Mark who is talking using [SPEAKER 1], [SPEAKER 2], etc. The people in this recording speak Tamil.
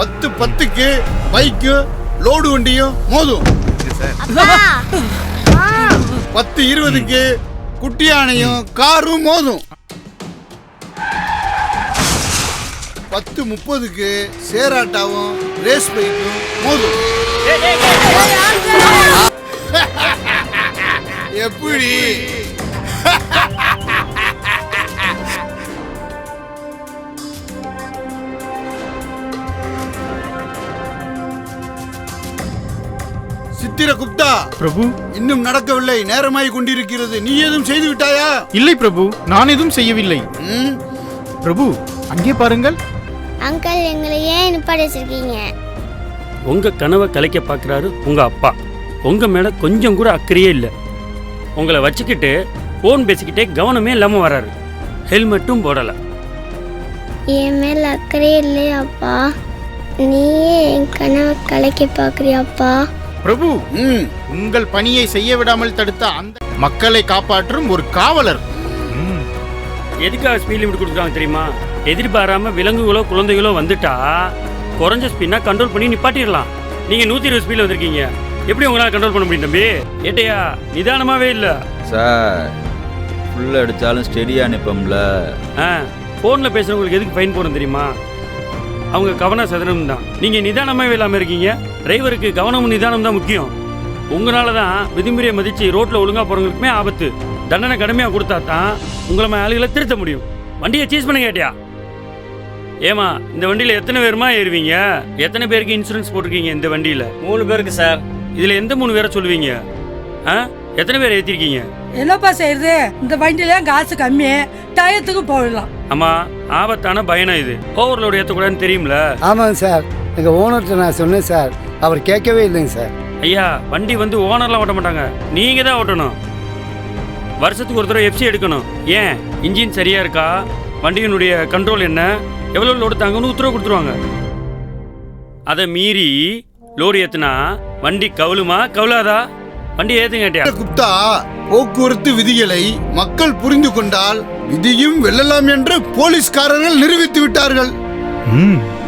[SPEAKER 1] 10:10க்கு பைக்கும் லோடு வண்டியும் மோதும். 10:20க்கு குட்டி யானையும் காரும் மோதும். 10:30க்கு சேராட்டாவும் ரேஸ் பைக்கும் மோதும். எப்படி? சித்திரகுப்தா
[SPEAKER 2] பிரபு,
[SPEAKER 1] இன்னும் நடக்கவில்லை, நேரமாய் கொண்டிருக்கிறது. நீ ஏதும் செய்து விட்டாயா?
[SPEAKER 2] இல்லை பிரபு, நான் எதுவும் செய்யவில்லை. பிரபு, அங்கே பாருங்கள்.
[SPEAKER 3] அங்கிள், எங்களை ஏன் நிப்பாடி வச்சிருக்கீங்க?
[SPEAKER 4] உங்க கனவை கலைக்க பார்க்குறாரு உங்க அப்பா. உங்க மேல கொஞ்சம் கூட அக்கறையே இல்லை. உங்களை வச்சுக்கிட்டு ஃபோன் பேசிக்கிட்டே கவனமே இல்லாமல் வராரு. ஹெல்மெட்டும் போடலை.
[SPEAKER 3] என் மேல அக்கறையே இல்லையாப்பா? நீயே என் கனவை கலைக்க பார்க்குறியாப்பா?
[SPEAKER 2] பிரபு, உங்கள் பணியை செய்ய விடாமல் தடுத்த அந்த மக்களை காப்பாற்றும் ஒரு காவலர்.
[SPEAKER 4] எதுக்காக ஸ்பீட் லிமிட் கொடுக்குறாங்க தெரியுமா? எதிர்பாராம விலங்குகளோ குழந்தைகளோ வந்துட்டா குறைஞ்ச ஸ்பீட்னா கண்ட்ரோல் பண்ணி நிப்பாட்டிடலாம். நீங்க 120 ஸ்பீட்ல வந்திருக்கீங்க, எப்படி உங்களால் கண்ட்ரோல் பண்ண முடியும் தம்பி? ஏட்டையா, நிதானமாவே இல்லை
[SPEAKER 5] சார். ஃபுல் அடித்தாலும் ஸ்டெடியாக நிற்போம்ல.
[SPEAKER 4] ஃபோனில் பேசுகிறவங்களுக்கு எதுக்கு ஃபைன் போடணும் தெரியுமா? அவங்க கவனம் சதுரம் தான். நீங்கள் நிதானமாகவே இல்லாமல் இருக்கீங்க. டிரைவருக்கு கவனமும் நிதானம் தான் முக்கியம். உங்களால தான் விதிமுறையை மதித்து ரோட்டில் ஒழுங்காக போகிறவங்களுக்குமே ஆபத்து. தண்டனை கடுமையாக கொடுத்தா தான் உங்களை ஆளுகளை திருத்த முடியும். வண்டியை சீஸ் பண்ண கேட்டியா? ஏமா, இந்த வண்டியில் எத்தனை பேருமா ஏறுவீங்க? எத்தனை பேருக்கு இன்சூரன்ஸ் போட்டிருக்கீங்க இந்த வண்டியில்?
[SPEAKER 6] 3 பேருக்கு சார்.
[SPEAKER 4] இதில் எந்த 3 பேரை சொல்லுவீங்க? எத்தனை பேர் ஏற்றிருக்கீங்க?
[SPEAKER 7] என்னப்பா செய்யறது? இந்த வண்டியில காசு கம்மி, டயத்துக்கு போயிடலாம்.
[SPEAKER 4] ஆமா, ஆபத்தான பயணம் இது. ஓவர்லோடு ஏற்றக்கூடாதுன்னு தெரியும்ல?
[SPEAKER 8] ஆமாங்க சார், எங்கள் ஓனர்கிட்ட நான் சொன்னேன் சார், அவர் கேட்கவே இல்லைங்க சார்.
[SPEAKER 4] ஐயா, வண்டி வந்து ஓனர்லாம் ஓட்ட மாட்டாங்க, நீங்கள் தான் ஓட்டணும். வருஷத்துக்கு ஒரு தடவை எஃப்சி எடுக்கணும். ஏன், இன்ஜின் சரியா இருக்கா, வண்டியினுடைய கண்ட்ரோல் என்ன, எவ்வளோ லோடு தாங்கன்னு உத்தரவு கொடுத்துருவாங்க. அதை மீறி லோடு ஏற்றுனா வண்டி கவுளுமா கவுளாதா? வண்டி ஏற்றுங்க கேட்டியா?
[SPEAKER 1] குப்தா, போக்குவரத்து விதிகளை மக்கள் புரிந்து கொண்டால் விதியும் வெல்லலாம் என்று போலீஸ்காரர்கள் நிரூபித்து விட்டார்கள்.